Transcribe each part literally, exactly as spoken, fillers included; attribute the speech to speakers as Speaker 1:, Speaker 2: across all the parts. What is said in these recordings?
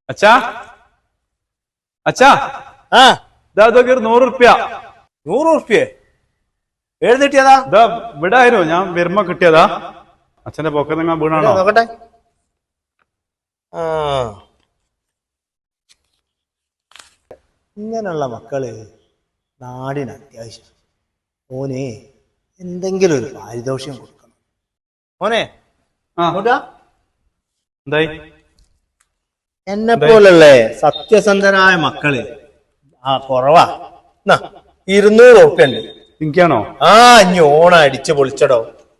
Speaker 1: അച്ഛാ അച്ഛാ
Speaker 2: ആ
Speaker 1: ഇതാ ഇതൊക്കെ ഒരു നൂറ് റുപ്യ.
Speaker 2: നൂറ് റുപ്യ ഏത് കിട്ടിയതാ?
Speaker 1: ഇതാ ഇവിടെ ആയിരുന്നു, ഞാൻ വരുമ്പോ കിട്ടിയതാ. അച്ഛന്റെ പോക്കത്ത് നിങ്ങൾ വീണാണോ?
Speaker 2: നോക്കട്ടെ. ആ ഇങ്ങനെയുള്ള മക്കള് നാടിന് അത്യാവശ്യം. ഓനെ എന്തെങ്കിലും ഒരു പാരിതോഷികം കൊടുക്കണം. ഓനെ
Speaker 1: ആ എന്തായി?
Speaker 2: എന്നെ പോലുള്ള സത്യസന്ധനായ മക്കള് ആ കുറവാ. ഇരുന്നൂറ് റുപ്യ ഉണ്ട്.
Speaker 1: എനിക്കാണോ?
Speaker 2: ആ ഇനി ഓണം അടിച്ച് പൊളിച്ചടോ.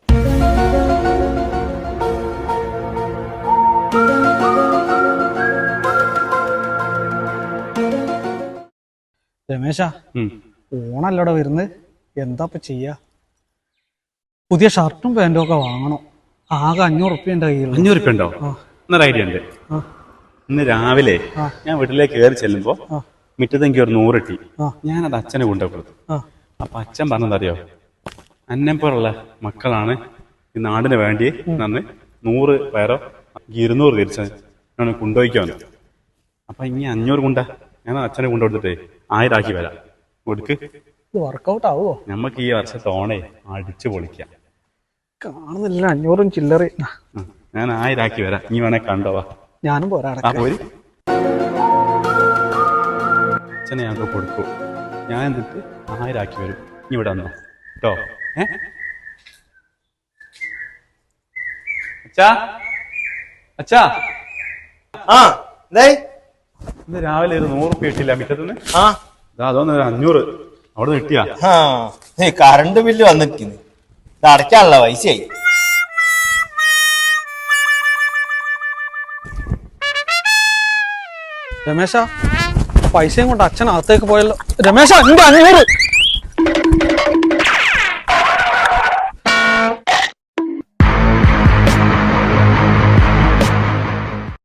Speaker 3: രമേശ, ഓണല്ലട വരുന്നത്, എന്താ ഇപ്പൊ ചെയ്യാ? പുതിയ ഷർട്ടും പാന്റും ഒക്കെ വാങ്ങണം. ആകെ അഞ്ഞൂറ് റുപ്യ ഉണ്ട് കയ്യിൽ.
Speaker 1: അഞ്ഞൂറ് റുപ്യ ഉണ്ടോ? എന്നൊരു ഐഡിയ ഉണ്ട്. ഇന്ന് രാവിലെ ഞാൻ വീട്ടിലേക്ക് കയറി ചെല്ലുമ്പോ മിറ്റത്ത് എനിക്ക് ഒരു നൂറ് കിട്ടി. ഞാനത് അച്ഛനെ കൊണ്ടു കൊടുത്തു. അപ്പൊ അച്ഛൻ പറഞ്ഞതറിയോ, അന്നെപ്പോലുള്ള മക്കളാണ് ഈ നാടിന് വേണ്ടി നന്ന് നൂറ് പേരോ ഇരുന്നൂറ് തിരിച്ച് ഞാൻ കൊണ്ടുപോയിക്കാന്ന്. അപ്പൊ ഇനി അഞ്ഞൂറ് കൊണ്ടാ ഞാൻ അച്ഛനെ കൊണ്ടുകൊടുത്തിട്ടേ ആയിരം ആക്കി വരാം. കൊടുക്ക്.
Speaker 3: വർക്കൗട്ട് ആവോ?
Speaker 1: നമ്മക്ക് ഈ വർഷത്തെ ഓണേ അടിച്ചു പൊളിക്കാം.
Speaker 3: കാണുന്നില്ല അഞ്ഞൂറും ചില്ലറി.
Speaker 1: ഞാൻ ആയിരം ആക്കി വരാം, നീ വേണേ കണ്ടോവാ.
Speaker 3: ഞാനും പോരാ.
Speaker 1: ആ പോരി. അച്ഛനെ ഞങ്ങൾക്ക് കൊടുക്കൂ, ഞാൻ എന്നിട്ട് ആയിരം ആക്കി വരും. നീ ഇവിടെ വന്നോ കേട്ടോ. ഏ അച്ഛാ അച്ഛാ
Speaker 2: ആ
Speaker 1: ഇന്ന് രാവിലെ ഒരു നൂറ് റുപ്യ കിട്ടില്ല മിറ്റത്തുനിന്ന്.
Speaker 2: ആ
Speaker 1: അതൊന്ന് ഒരു അഞ്ഞൂറ് അവിടെ നിന്ന് കിട്ടിയാ.
Speaker 2: കറണ്ട് ബില്ല് വന്നിരിക്കുന്നു, ഇത് അടയ്ക്കാനുള്ള പൈസയായി.
Speaker 3: രമേശ, പൈസയും കൊണ്ട് അച്ഛൻ അകത്തേക്ക് പോയല്ലോ. രമേശ, എന്റെ അഞ്ഞൂറ്.